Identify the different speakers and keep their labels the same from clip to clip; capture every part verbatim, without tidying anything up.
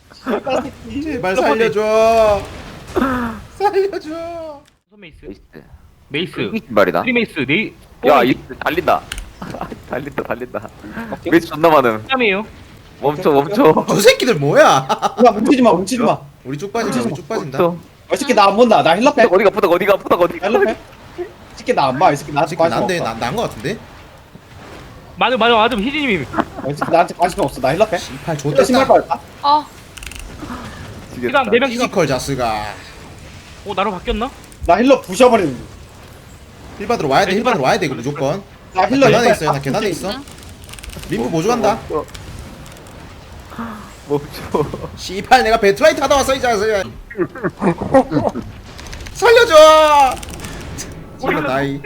Speaker 1: 제발 살려줘. 살려줘.
Speaker 2: 메이스
Speaker 3: 메이스.
Speaker 2: 메이스
Speaker 3: 이기 말이다.
Speaker 2: 트리메이스 네이
Speaker 3: 야, 이 달린다. 달린다, 달린다. 메이스 존나 많음.
Speaker 2: 땀이에요.
Speaker 3: 멈춰, 멈춰.
Speaker 1: 저 새끼들 뭐야?
Speaker 4: 야 뭉치지 마 뭉치지 마.
Speaker 1: 우리 쭉 빠진다. 우리 쭉 빠진다.
Speaker 3: 멈춰.
Speaker 4: 이 새끼 나안 본다. 나 힐러 빼.
Speaker 3: 어디가 아프다, 어디가 아프다, 어디가.
Speaker 4: 힐러 빼. 이 새끼 나안 봐. 이 새끼
Speaker 1: 이
Speaker 4: 나한테
Speaker 1: 새끼
Speaker 4: 관심
Speaker 1: 난데
Speaker 4: 없어.
Speaker 1: 난거 같은데?
Speaker 2: 맞아 맞아 맞아 희진님이
Speaker 4: 이 새끼 나한테 관심 없어. 나 힐러 빼.
Speaker 1: 씨팔
Speaker 4: 힐러 신발
Speaker 1: 좋댔다.
Speaker 4: 빠졌다.
Speaker 5: 아,
Speaker 3: 지겠다.
Speaker 2: 시간 네명
Speaker 1: 피지컬 자스가.
Speaker 2: 어 나로 바뀌었나?
Speaker 4: 나 힐러 부셔버리는.
Speaker 1: 힐 받으러 와야 돼. 힐 받으러 와야 돼. 이거 무조건.
Speaker 4: 나
Speaker 1: 나
Speaker 4: 힐러
Speaker 1: 계단에
Speaker 4: 이빨
Speaker 1: 있어요. 나
Speaker 4: 다
Speaker 1: 계단에
Speaker 4: 부시는
Speaker 1: 있어. 림프 보조 간다.
Speaker 3: 멈춰.
Speaker 1: 씨팔 내가 배트라이트 하다 왔어 이 자식아. 살려줘. 지금 나이.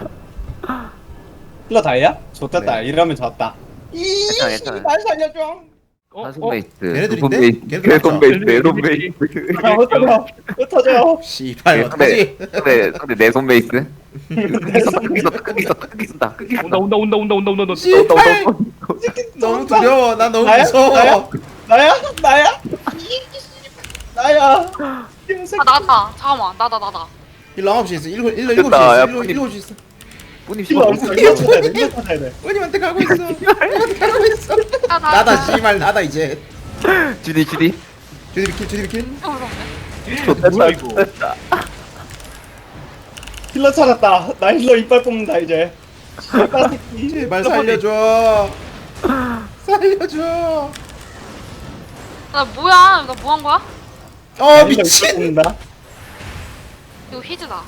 Speaker 4: 힐러 다이야? 좋겠다.
Speaker 3: 네.
Speaker 4: 이러면 졌다.
Speaker 3: 괜찮아, 괜찮아.
Speaker 4: 날 살려줘.
Speaker 2: 어?
Speaker 3: 한손
Speaker 2: 어?
Speaker 3: 베이스.
Speaker 1: 얘네들인데?
Speaker 3: 두손 베이스.
Speaker 1: 걔네들
Speaker 3: 개손
Speaker 1: 맞죠?
Speaker 3: 베이스. 네손 베이스.
Speaker 4: 아, 흩어져. 흩어져.
Speaker 1: 씨팔
Speaker 3: 네,
Speaker 1: 어떡하지?
Speaker 3: 근데 근데 내손 베이스. 크기 쏜다, 크기 쏜다, 크기 쏜다, 크기 쏜다, 크기 쏜다.
Speaker 2: 온다 온다 온다 온다 온다 온다 온다
Speaker 1: 씨팔
Speaker 4: 이 새끼
Speaker 1: 너무
Speaker 4: 쏜다.
Speaker 1: 두려워. 나 너무
Speaker 4: 나야?
Speaker 1: 무서워.
Speaker 4: 나야? 나야? 나야? 나야. 이 새끼.
Speaker 5: 아 나다. 잠깐만, 나다 나다.
Speaker 1: 일로 아홉 시 있어. 일곱 일로 일곱 시
Speaker 3: 됐다.
Speaker 1: 있어.
Speaker 3: 야,
Speaker 1: 일로
Speaker 3: 뿌니.
Speaker 1: 일곱 시 있어.
Speaker 3: 뿌님
Speaker 4: 힐러
Speaker 3: 씨발.
Speaker 4: 어딨어? 힐러 찾아야 돼. 힐러 찾아야 돼.
Speaker 1: 뿌님한테 가고 있어. 뿌님한테 가고 있어.
Speaker 5: 아, 나,
Speaker 1: 나다 씨발 나다 이제.
Speaker 3: 주디 주디.
Speaker 1: 주디 비킬 주디 비킬.
Speaker 5: 진짜 무섭네.
Speaker 3: 좋다
Speaker 2: 뭐야, 이거?
Speaker 3: 됐다.
Speaker 4: 힐러 찾았다. 나 힐러 이빨 뽑는다 이제. 씨발 새끼.
Speaker 1: 제발 살려줘. 살려줘.
Speaker 5: 나 뭐야? 나 뭐 한 거야?
Speaker 4: 나
Speaker 1: 어
Speaker 4: 힐러 이빨
Speaker 1: 미친.
Speaker 4: 뽑는다.
Speaker 5: 이거 히즈다.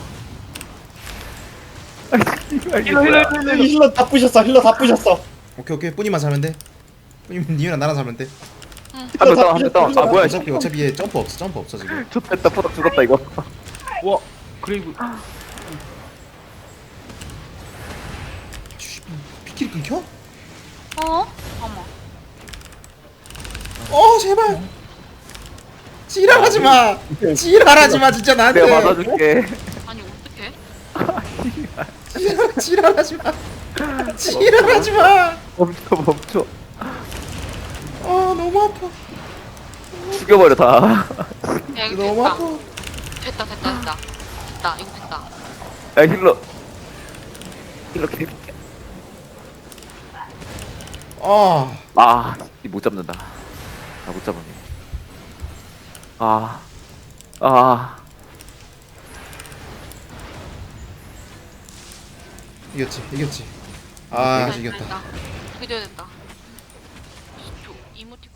Speaker 5: 잠깐만.
Speaker 2: 힐러 힐러 힐러
Speaker 4: 힐러, 힐러 다 부셨어. 힐러 다 부셨어.
Speaker 1: 오케이 오케이 뿌니만 살면 돼. 뿌님 니랑 나랑 살면 돼.
Speaker 3: 한명 다운, 한명 다운. 아 뭐야?
Speaker 1: 어차피 어차피 얘 점프 없어 점프 없어 지금.
Speaker 3: 좋됐다. 포덕 죽었다 이거.
Speaker 2: 와 그레이브
Speaker 1: 씨, 피킬 끊겨?
Speaker 5: 어? 잠깐만.
Speaker 1: 어 제발. 지랄하지 마. 지랄하지 마 진짜 나한테.
Speaker 3: 내가 맞아줄게.
Speaker 5: 아니 어떡해?
Speaker 1: 지랄 지랄하지 마. 지랄하지 마.
Speaker 3: 멈춰 멈춰.
Speaker 1: 아 너무 아파.
Speaker 3: 죽여버려 다.
Speaker 5: 야 이거
Speaker 1: 너무
Speaker 5: 됐다.
Speaker 1: 아파.
Speaker 5: 됐다 됐다 됐다. 됐다 이거 됐다.
Speaker 3: 야 힐러. 힐러 개.
Speaker 1: 아
Speaker 3: 아, 못 잡는다. 나 못 잡았네. 아, 아,
Speaker 1: 이겼지 이겼지. 아
Speaker 5: 됐다,
Speaker 1: 이겼다.
Speaker 5: 됐다. 이겨야 된다. 저 이모티콘.